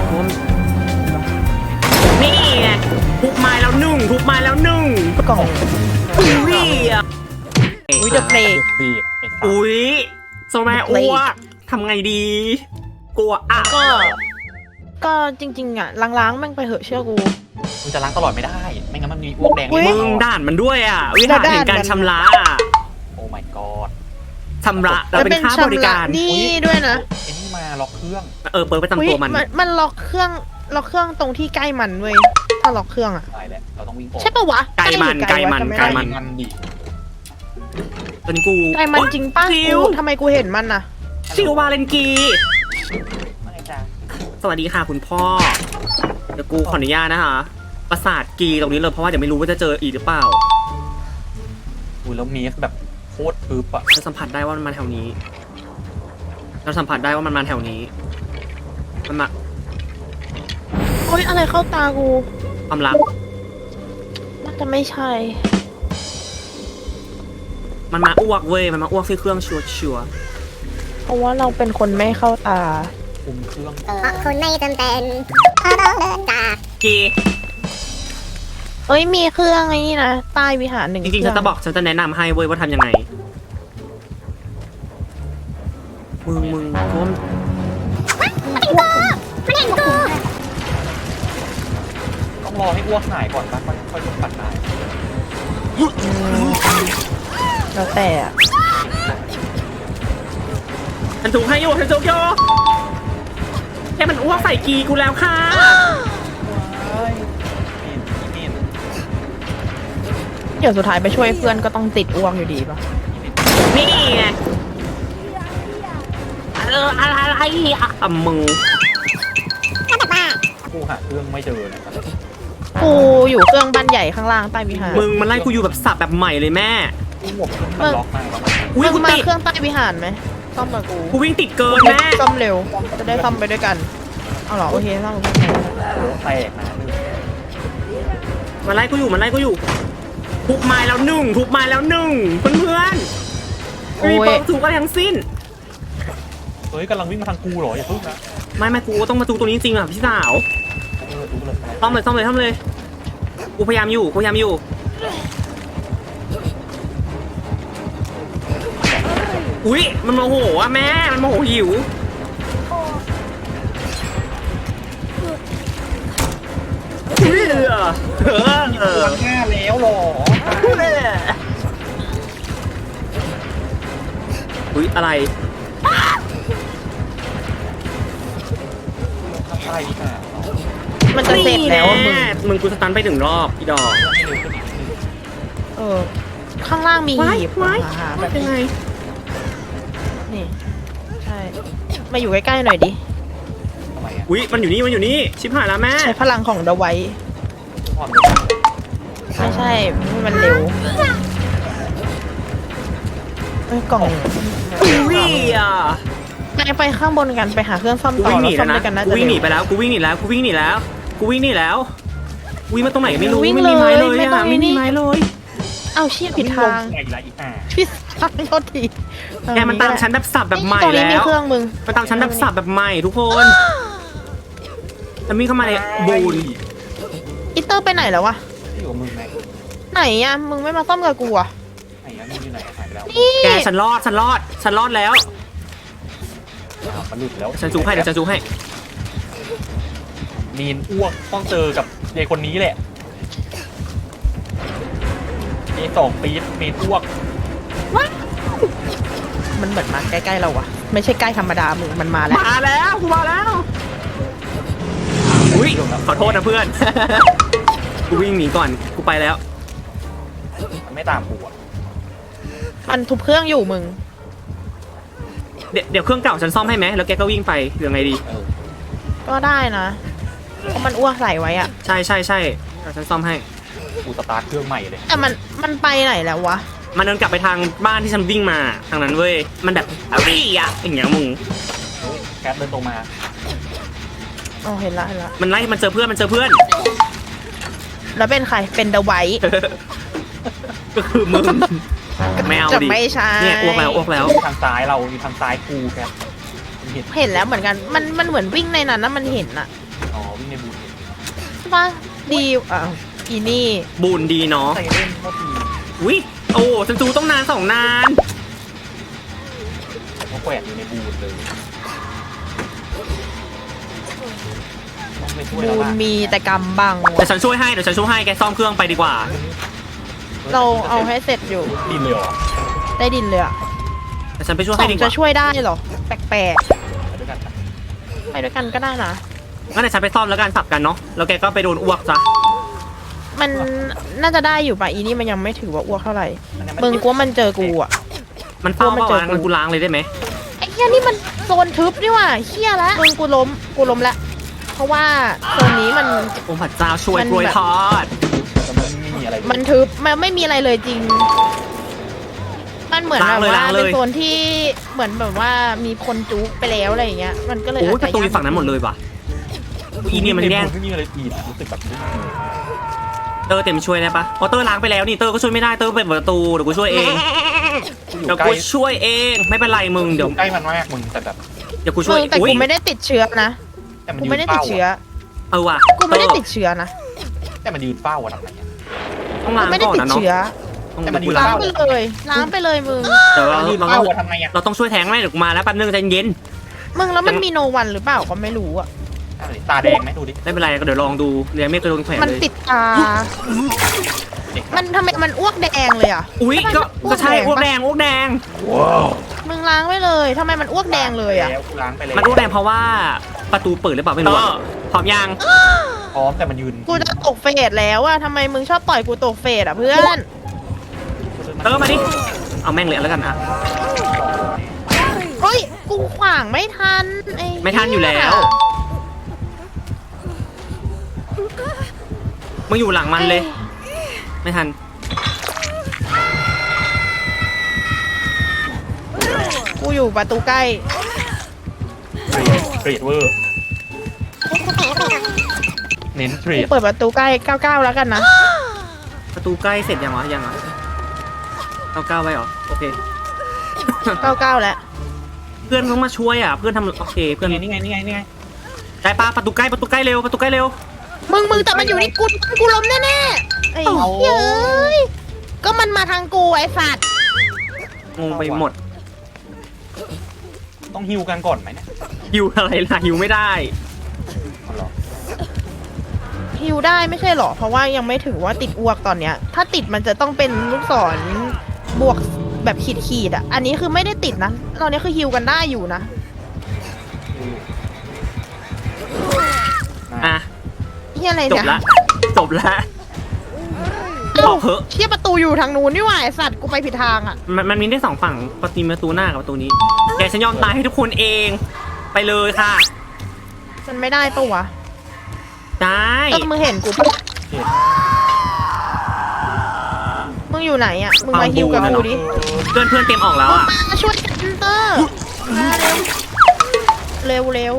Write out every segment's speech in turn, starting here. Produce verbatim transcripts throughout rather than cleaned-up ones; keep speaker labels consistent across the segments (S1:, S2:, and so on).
S1: นี่ไงทุบไม้แล้วหนึ่งทุบไม้แล้วหนึ่ง
S2: กล่อง
S1: อุ้ยอ่ะ
S2: อุ้ยเดอะเพลง
S3: ดีไอ้สัส
S1: อุ้ยโซแม่อ้วกทำไงดี กลัวอ่ะ
S2: ก็ ก็จริงๆอ่ะล้างๆแม่งไปเหอะเชื่อกู
S3: มึงจะล้างตลอดไม่ได้ ไม่งั้นมันมีอ้วกแดง
S2: อุ๊ย
S3: ใน
S1: มึง
S3: มือ
S1: ด่านมันด้วยอ่ะ วิหารแห่งการชำระอ่ะ
S3: โอ้ my god
S1: ชำระเราเป็นค่าบริการ
S2: นี่ด้วยนะ
S3: ไอ้นี่มาล็อกเครื่อง
S1: เออเปิดประ
S2: อุ๊ย
S1: จำตัวมัน
S2: มันล็อกเครื่องล็อกเครื่องตรงที่ใกล้มันเว้ยถ้าล็อกเครื่องอ่ะ
S3: ตายแล้วเราต้องวิ่งออก
S2: ใช่ปะวะ
S1: ไกลมัน
S2: หรือ
S1: ไกลมัน
S2: วะจำไม่
S1: ไกล
S2: ได้
S1: มัน
S3: มันดิ
S1: ตอนนี้กู
S2: ไกลมันจริงปะ
S1: ชิ
S2: กู
S1: ว
S2: ทำไมกูเห็นมันน่ะ
S1: ชิววาเลนกี
S3: ไม่จ้า
S1: สวัสดีค่ะคุณพ่อ เดี๋ยวกูขออนุญาตนะคะ ประสาทกีตรงนี้เลยเพราะว่าเดี๋ยวไม่รู้ว่าจะเจออีกหรือเปล่า
S3: อุ้ยแล้วเมสแบบโคตรทึบอะ
S1: เราสัมผัสได้ว่ามันมาแถวนี้ เราสัมผัสได้ว่ามันมาแถวนี้ มันมา
S2: โอ๊ยอะไรเข้าตากู
S1: ความรัก
S2: น่าจะไม่ใช่
S1: มันมาอ้วกเว้ย มันมาอ้วกที่เครื่องชัวร์ชัวร์
S2: เพราะว่าเราเป็นคนไม่เข้าตา
S3: คุมเครื่อง
S4: เพราะคุณไม่จำเป็นเพราะต้องเดินจาก
S1: กี
S2: เอ้ยมีเครื่องไอ้นี่นะใต้วิหารหนึ่ง
S1: จริงๆฉันจะบอกฉันจะแนะนำให้เว้ยว่าทำยังไง มึงมึงเพราะว่า
S4: มันเห็นกู
S3: ต้องรอให้อ้วกหายก่อนปะค่อยค่อยลงปัดได้
S2: แล้วแต่อะ
S1: ฉันถูกให้อยู่ฉันถูกอยู่แค่มันอ้วกใส่กีกูแล้วค่ะ
S3: เฮ้ยเมนเมน
S2: เดี๋ยวสุดท้ายไปช่วยเพื่อนก็ต้องติดอ้วกอยู่ดีปะ
S1: นี่ไงเอออะไรอะไรอ่ะมึง
S4: ก็แบบว่า
S3: กูหาเครื่องไม่เจอนะครับ
S2: กูอยู่เครื่องบ้านใหญ่ข้างล่างใต้วิหาร
S1: มึงมันไล่กูอยู่แบบสับแบบใหม่เลยแม่
S3: กูหมวกมันล็อกมากแล้วมัน
S1: อุ้ย
S2: มึ
S1: กู
S2: งมา
S1: ติด
S2: เครื่องใต้วิหารไหมซ่อมกับกู
S1: กูวิ่งติดเกินแม่
S2: ซ่อมเร็ว จะได้ซ่อมไปด้วยกัน เอาเหรอโอเคซ่อมกับกู
S3: โอ้แตกนะ
S1: มันไล่กูอยู่มันไล่กูอยู่ทุบไม้แล้วหนึ่งทุบไม้แล้วหนึ่งเพื่อนเพื่อนๆไม่มีเปิดถูกอะไรทั้งสิ้น
S3: เฮ้ยกำลังวิ่งมาทางกูเหรออย่าพึ่งนะ
S1: ไม่ไม่กูต้องมาดูตัวนี้จริงๆอ่ะพี่สาว
S3: เออดูเลย
S1: ซ่อมเลยซ่อมเลยซ่อมเลยกูพยายามอยู่กูพยายามอยู่อุ้ยมันโมโหอ่ะแม่มันโมโหหิวอุ้ยเออเออเออ
S3: วันหน้าแล้วหรอ
S1: อุ้ยอะไร
S3: ทำได้ดีกว่า
S2: มันจะเสร็จแล้วอะมึง
S1: มึงกูสตันไปหนึ่งรอบอีดอก
S3: ให้เร็วขึ้นอีกนิดนึง
S2: เออ ข้างล่างมี
S1: ว้าย
S2: หีบ
S1: ว้าย
S2: หาแบ
S1: ว่า
S2: บ
S1: เป็นไง
S2: นี่ใช่มาอยู่ใกล้ๆหน่อยดิ
S3: ทำไมอ่ะ
S1: อุ้ยมันอยู่นี่มันอยู่นี่ชิบหายแล้วแม่
S2: ใช้พลังของเดาไว้
S3: ความเร็ว
S2: ไม่ใช่มันเร็วเอ้ยกล่อง
S1: อุ้ยอ่ะ
S2: ไปไปข้างบนกันไปหาเครื่องซ่อม
S1: กู
S2: ต่อ
S1: วิ่งห
S2: แล้
S1: นี
S2: วซ่
S1: แล้
S2: อ
S1: ว
S2: ม
S1: นะ
S2: ด้วยกันน่า
S1: กู
S2: จะ
S1: วิ่งหนี
S2: เร็ว
S1: ไปแล้วกูวิ่งหนีแล้วกูวิ่งหนีแล้วกูวิ่งหนีแล้ววิ่งมาตรงไหนไม่รู้
S2: วิ่ง
S1: ไม่มีไม้เลย
S2: เลยไม่ต้อ
S1: อ่ะ
S2: ง
S1: ไม่มี
S2: นี่
S1: ไม้เลย
S2: เอาเชี่ยผิดทาง
S3: ไงละอีกอ่ะ
S2: ผิดทางโทษที
S1: แกมันตามฉันแบบสับแบบใหม่
S2: ตรงนี้
S1: แล้
S2: มี
S1: ว
S2: เครื่องมึง
S1: มันตามฉันแบบสับแบบใหม่ทุกคนแล้วมีเข้ามาในบูน
S2: อิตเตอร์ไปไหนแล้ววะ
S3: ที่อยู่กับมึงไง
S2: ไหนอะมึงไม่มาซ่อมกับกูอะ
S3: ไหนอ่ะมึงอยู่ไหนหายไปแล้ว
S2: นี่
S1: แกฉันรอดฉันรอดฉันรอดแล้ว
S3: อ้าวมันหลุดแล้ว
S1: ฉันจูให้เดี๋ยวฉันจูให้
S3: มีนอ้วกต้องเจอกับยายคนนี้แหละยายสองปี๊ดมีนอ้วก
S2: มันเหมือนมาใกล้ๆเราวะไม่ใช่ใกล้ธรรมดามึงมันมาแล้ว
S1: มาแล้วกูมาแล้วอุ้ยขอโทษนะเพื่อน กูวิ่งหนีก่อนกูไปแล้ว
S3: มันไม่ตามกูอ่ะ
S2: มันทุบเครื่องอยู่มึง
S1: เดี๋ยวเดี๋ยวเครื่องเก่าฉันซ่อมให้ไหมแล้วแกก็วิ่งไปหรือไงดี
S3: เออ
S2: ก็ได้นะเพราะมันอ้วกใส่ไว้อะ
S1: ใช่ใช่ใช่เดี๋ยวฉันซ่อมให้
S3: กูสตาร์ทเครื่องใหม่เลย
S2: แต่มันมันไปไหนแล้ววะ
S1: มันเดินกลับไปทางบ้านที่ฉันวิ่งมาทางนั้นเว้ยมันแบบอะไรอ่ะอย่างเงี้ยมึง
S3: เฮ้ยแคทเดินตรงมา
S2: อ๋อเห็นละเห็นละ
S1: มันไล่มันเจอเพื่อนมันเจอเพื่อน
S2: แล้วเป็นใครเป็นเดาไว้
S1: ก็คือมึงไม่เอา
S2: จะ
S1: ดิ
S2: ไม่ใช่
S1: เนี่ยอ้วกแล้วอ้วกแล้ว
S3: ทางซ้ายเรามีทางซ้ายกูแคทมึงเห็น
S2: เห็นแล้วเหมือนกันมันมันเหมือนวิ่งในนั้นนะมันเห็นอะ
S3: อ๋อวิ่งในบูธ
S2: ใช่ปะดีอ่ะอีนี่
S1: บุญดีเนาะ
S3: ใส่เล่นโคตรดี
S1: วิโอ้ฉันจูต้องนานสองนาน
S3: เขาแขวนอยู่ในบูธเลยต้องไปช่วย
S2: บู
S3: แล้ว
S2: น
S3: ล่ะ
S2: มีแต่กำบัง
S1: เดี๋ยว
S2: ว่ะ
S1: ฉันช่วยให้เดี๋ยวฉันช่วยให้แกซ่อมเครื่องไปดีกว่า
S2: เราเอาให้เสร็จอยู่
S3: ดินเลยเหรอ
S2: ได้ดินเลยอะ
S1: เดี๋ยวฉันไปช่วย
S2: ส
S1: ให้
S2: อง
S1: ดีก
S2: จะ
S1: ว่า
S2: ช่วยได้เหรอ แปลก
S3: ไปด้วยกันปะ
S2: ๆไปด้วยกันก็ได้นะ
S1: งั้นเดี๋ยวฉันไปซ่อมแล้วกันสับกันเนาะแล้วแกก็ไปโดนอ้วกซะ
S2: มันน่าจะได้อยู่ป่ะอีนี่มันยังไม่ถือว่าอ้วกเท่าไหร่
S3: อันนี้น
S2: มึงกลัวมันเจอกูอ่ะ
S1: มันเฝ้า
S2: มัน
S1: เปล่า
S2: เจอ
S1: วะ
S2: กู
S1: งั้นกูล้างเลยได้ไหม
S2: ไอ้เหี้ยนี่มันโซนทึบนี่หว่าเหี้ยละมึงกูล้มกูล้มละเพราะว่าโซนนี้มัน
S1: โอ้พระเจ้าช่วย
S2: มัน
S1: กล้วย
S2: แบบ
S1: ทอด
S3: แต่มันไม่มีอะไรเลย
S2: มันทึบมันไม่มีอะไรเลยจริง มันเหมือนแบบว่าเป็นโซนที่เหมือนแบบว่ามีคนจุกไปแล้วอะไรอย่างเงี้ย มันก็เลย
S1: โอ้ย
S2: อาจ
S1: ประ
S2: จะ
S1: ตูอยู่ฝั่งนั้นหมดเลยว่ะอีเนี่ยมันแย่ง
S3: ไม่มีอะไรตีรู้สึกแบบนี้
S1: เตอร์เต็มช่วยได้ปะอ๋อเตอร์ล้างไปแล้วนี่เตอร์ก็ช่วยไม่ได้เตอร์เปิดประตูเดี๋ยวกูช่วยเอง
S3: อยู่
S1: เดี๋ยว
S3: ใกล้
S1: กูช่วยเองไม่เป็นไรมึง
S3: อ
S1: เดี๋ยว
S3: ยู่ใกล้มันมากมึงแต่แบบ
S1: เดี๋ยวกูช่
S2: มึ
S1: วย
S2: งแต่
S1: อุ้ย
S2: กูไม่ได้ติดเชื้อนะ
S3: แต่มัน
S2: กู
S3: ยื
S2: ไม่
S3: น
S2: ได้ติด
S3: เฝ้า
S2: เชื้อ
S3: อะ
S1: เออว่ะ
S2: กูไม่ได้
S1: เตอร์
S2: ติดเชื้อนะ
S3: แต่มันยืนเฝ้าอะทำไงอะ
S1: ต้อง
S2: กู
S1: ล้าง
S2: ไม่ได้
S1: ก่อน
S2: ติด
S1: นะเนาะ
S2: เชื้อ
S1: ต้อง
S3: แต่มันอยู่
S1: ล้าง
S2: ล้างไปเลยล้างไปเลยมึง
S1: เดี๋ยวเรา
S3: มันยืน
S1: เรา
S3: เฝ้า
S1: ต้อง
S3: อะทำไงอะ
S1: เราต้องช่วยแทงไหมเดี๋ยวกูมาแล้วแป๊บนึงใจเย็น
S2: มึงแล้วมันมีโนวันหรือเปล่าก็ไม่รู้อ่ะ
S3: ตาแดงไหมดูดิ
S1: ไม่เป็นไรก็เดี๋ยวลองดูเรียนไม่เคยโดนแขวน
S2: มัน
S1: เลย
S2: ติดตา มันทำไมมันอ้วกแดงเลยอ่ะ
S1: อุ้ยก็ก็ใช่อ้วกแดงอ้วกแดง
S2: มึงล้างไว้เลยทำไมมันอ้วกแดงเลยอ่ะ
S3: แล้วกูล้างไปเลย
S1: มันอ้วกแดงเพราะว่าประตูเปิดหรือเปล่าไม่รู้อะพร้อมยัง
S3: พร้อมแต่มันยืน
S2: กูจะตกเฟสแล้วอ่ะทำไมมึงชอบปล่อยกูตกเฟสอ่ะเพื่อน
S1: เออมาดิเอาแม่งเลยแล้วกันอ่ะ
S2: เฮ้ยกูขวางไม่ทันอ้
S1: ไม่ทันอยู่แล้วมึงอยู่หลังมันเลย ไม่ทัน
S2: กูอยู่ประตูใกล้
S3: เทรดเวอร์เน้นเทร
S2: กู
S3: ด
S2: เปิดประตูใกล้เก้าเก้าแล้วกันนะ
S1: ประตูใกล้เสร็จยังวะยังอ่ะเอาก้าวไว้เหรอโอเค
S2: เก้าเก้าแล้ว
S1: เพื่อนต้องมาช่วยอ่ะเพื่อนทำโอเคเพื่อน
S3: นี่ไงนี่ไงนี่ไง
S1: ได้ปะประตูใกล้ประตูใกล้เร็วประตูใกล้เร็ว
S2: มึงมึงแต่มันอยู่ที่กูกูล้มแน่ๆไอ้เหี้ยเอ้ยก็มันมาทางกูไอ้สัตว์
S1: งงไปหมด
S3: ต้องฮิวกันก่อนไหมเนี่ย
S1: หิวอะไรล่ะหิวไม่ได้
S3: เอาเหรอ
S2: ฮิวได้ไม่ใช่หรอ เพราะว่ายังไม่ถือว่าติดอ้วกตอนเนี้ย ถ้าติดมันจะต้องเป็นลูกศรบวกแบบขีดขีดๆอ่ะ อันนี้คือไม่ได้ติดนะ ตอนนี้คือฮิวกันได้อยู่นะ
S1: อ่ะ
S2: เฮียอะไร
S1: จบ
S2: เนี่ย
S1: ละจบละบอกเหอะ
S2: เชี่ยประตูอยู่ทางนู้นนี่หว่าไอ้สัตว์กูไปผิดทางอ่ะ
S1: มันมันมีได้สองฝั่งประตูประตูหน้ากับประตูนี้แกฉันยอมตายให้ทุกคนเองไปเลยค่ะ
S2: มันไม่ได้ปะวะ
S1: ได้
S2: เออมึงเห็นกูปะมึงอยู่ไหนอ่ะ มึงมาฮิวกับกูดิ
S1: เพื่อนเพื่อนเต็มออกแล้วอ่ะ
S2: มาช่วยกันเตอร์มาเร็ว เร็วเร็ว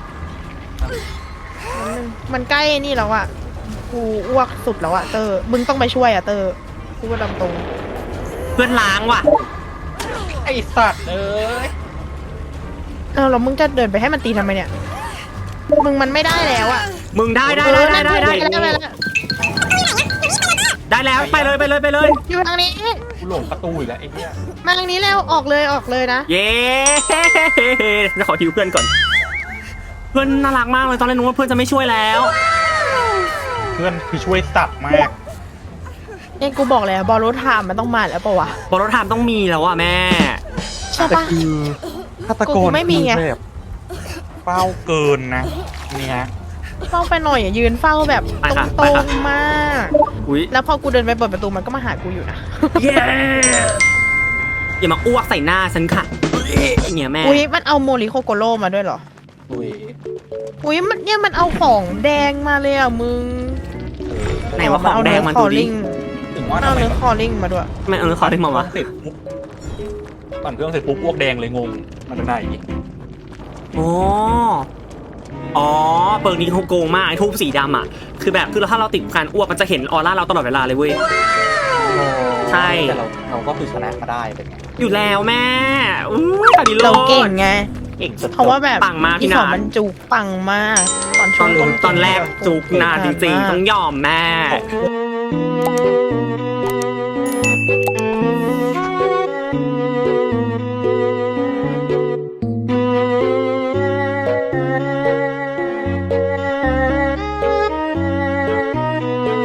S2: มันใกล้นี่แล้วอ่ะ กูอ้วกสุดแล้วอ่ะเตอร์ มึงต้องไปช่วยอ่ะเตอร์กูว่าดำตรง
S1: เพื่อนล้างว่ะ
S3: ไอสัตว์เอ้ย
S2: เออแล้วมึงจะเดินไปให้มันตีทำไมเนี่ย มึงมันไม่ได้แล้วอ่ะ
S1: มึงได้ได้ได้ได้ได้ได้
S2: ได้ได้ได้
S1: ได้แล้วไปเลยไปเลยไปเลย
S2: อยู่ทางนี้
S3: กูหลงประตูอีกแล้วไอ้เหี้ย
S2: มาทางนี้แล้วออกเลยออกเลยนะ
S1: เย้จะขอทิวเพื่อนก่อน เพื่อนน่ารักมากเลยตอนแรกนึกว่าเพื่อนจะไม่ช่วยแล้ว
S3: เพื่อนคือช่วยสัตว์มาก
S2: เนี่ยกูบอกแล้วบอลรถถามมันต้องมาแล้วปะวะ
S1: บอลรถไทม์ต้องมีแล้วอ่ะแม่
S2: ใช่ปะ
S3: คือฆาตก
S2: กู
S3: ร
S2: ไม่มีไง
S3: คือแบบเป้าเกินนะนี่ฮะ
S2: เฝ้าไปหน่อยอย่ายืนเฝ้าแบบ
S1: ไปค่ะ
S2: ต
S1: ไป
S2: รง
S1: ค่ะ
S2: ๆมาก
S1: อุ้ย
S2: แล้วพอกูเดินไปเปิดประตูมันก็มาหากูอยู่นะ
S1: เย้อย่ามาอ้วกใส่หน้าฉันค่ะเนี่ยแม่
S2: อุ้ยมันเอาโมริโคโกโร่มาด้วยเหรอ
S3: อุ้ย
S2: อุ้ยมันเนี่ยมันเอาของแดงมาเลยอ่ะมึง
S1: ไหนว่าของแดงมัน
S2: ค
S1: ดู
S2: อ
S1: ดิ
S2: ลิง
S3: ถึงว่า
S2: เอา
S3: ทำไม
S2: เนื้อ
S3: แบบ
S2: คอลิงมาด้วย
S1: ไม่เออขอได้มาวะ
S3: เสร็จปุ๊บปั่นเครื่องเสร็จปุ๊บอ้วกแดงเลยงงมาจากไหน
S1: โอ้อ๋อเปิร์กนี้เขาโกงมากไอ้ทูบสีดำอ่ะคือแบบคือถ้าเราติดการอ้วกมันจะเห็นออร่าเราตลอดเวลาเลยเว้ย ใช่
S3: แต่เราเราก็คือชนะมาได้เป็นไง
S1: อยู่แล้วแม่อู้ยตาดีโล
S2: เราเก่งไง
S1: เก่งสุด
S2: เพราะว่าแบบ
S1: ปังมาก
S2: ที่
S1: พี่
S2: สอ
S1: นาง
S2: มันจุกปังมากตอน
S1: ต
S2: ช่ว
S1: อง นตอนแรกจุกนานจริงๆ ต้องยอมแม่
S2: อ